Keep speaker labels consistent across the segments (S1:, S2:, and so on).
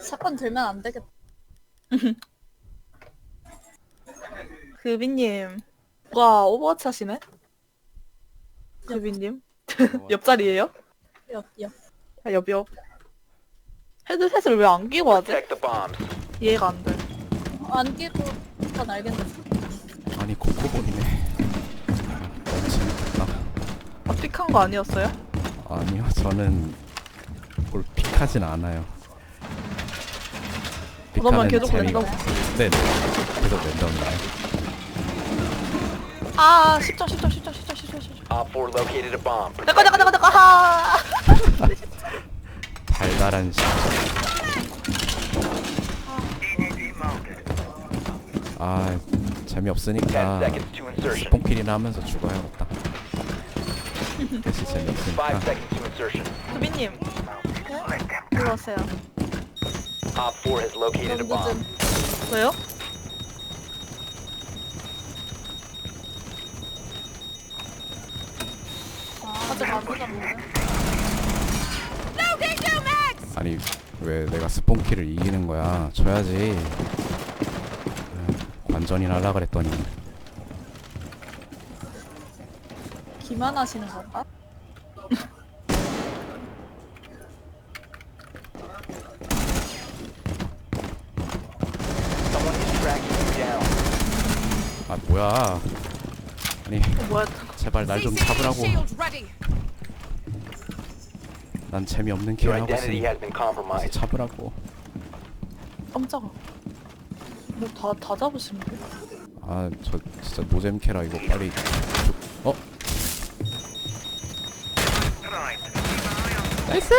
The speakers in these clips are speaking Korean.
S1: 사건 들면 안 되겠다.
S2: 그비님 누가 오버워치 하시네? 그비님? 옆자리에요?
S1: 옆.
S2: 아, 옆. 헤드셋을 왜 안 끼고 하지?
S3: Protect the bombs.
S2: 이해가 안 돼.
S1: 안 끼고 건 알겠는데.
S4: 아니 코코볼이네. 재밌다.
S2: 아, 픽한 거 아니었어요?
S4: 아니요, 저는 뭘 픽하진 않아요.
S2: 그러면
S4: 픽하는
S2: 계속
S4: 재미가
S2: 랜덤.
S4: 없- 네, 계속 랜덤이에요.
S2: 아, 10점.
S3: Op 4 located a bomb.
S2: 잠깐. 아!
S4: 달달한 시. 아,
S3: 10
S4: 재미없으니까
S3: seconds to insertion.
S4: 스폰킬이나 하면서 죽어야겠다. 대신
S3: 5
S4: 재미없으니까.
S3: seconds to insertion.
S2: 그비님. 일로 오세요.
S3: Op 4 has located a
S1: 너무
S3: bomb.
S1: 늦은.
S2: 왜요?
S1: 아직 안 늦었는데.
S4: 아니 왜 내가 스폰킬을 이기는 거야? 져야지. 관전이나 하려 그랬더니
S1: 기만하시는 건가?
S3: Someone is tracking you down.
S4: 아 뭐야? 아니
S2: 뭐야?
S4: 제발 날 좀 잡으라고. 난 재미없는
S3: Your
S4: 킬 하고
S3: identity
S4: 있으니
S3: has been compromised.
S4: 잡으라고.
S2: 깜짝아. 뭐 다 잡으시면 돼.
S4: 아 저 진짜 노잼 캐라 이거 빨리 어? 나이스!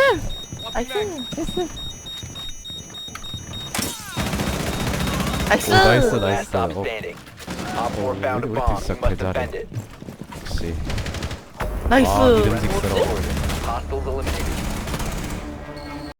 S2: 나이스.
S4: 오, 나이스.
S3: Last stop
S4: 어,
S3: standing. Op 4
S4: 어,
S3: found a
S4: 우리
S3: bomb.
S4: 진짜
S3: You must
S4: 개잘해.
S3: defend it.
S4: 역시
S2: 나이스.
S4: 아, 믿음직스러워.
S3: Hostiles eliminated.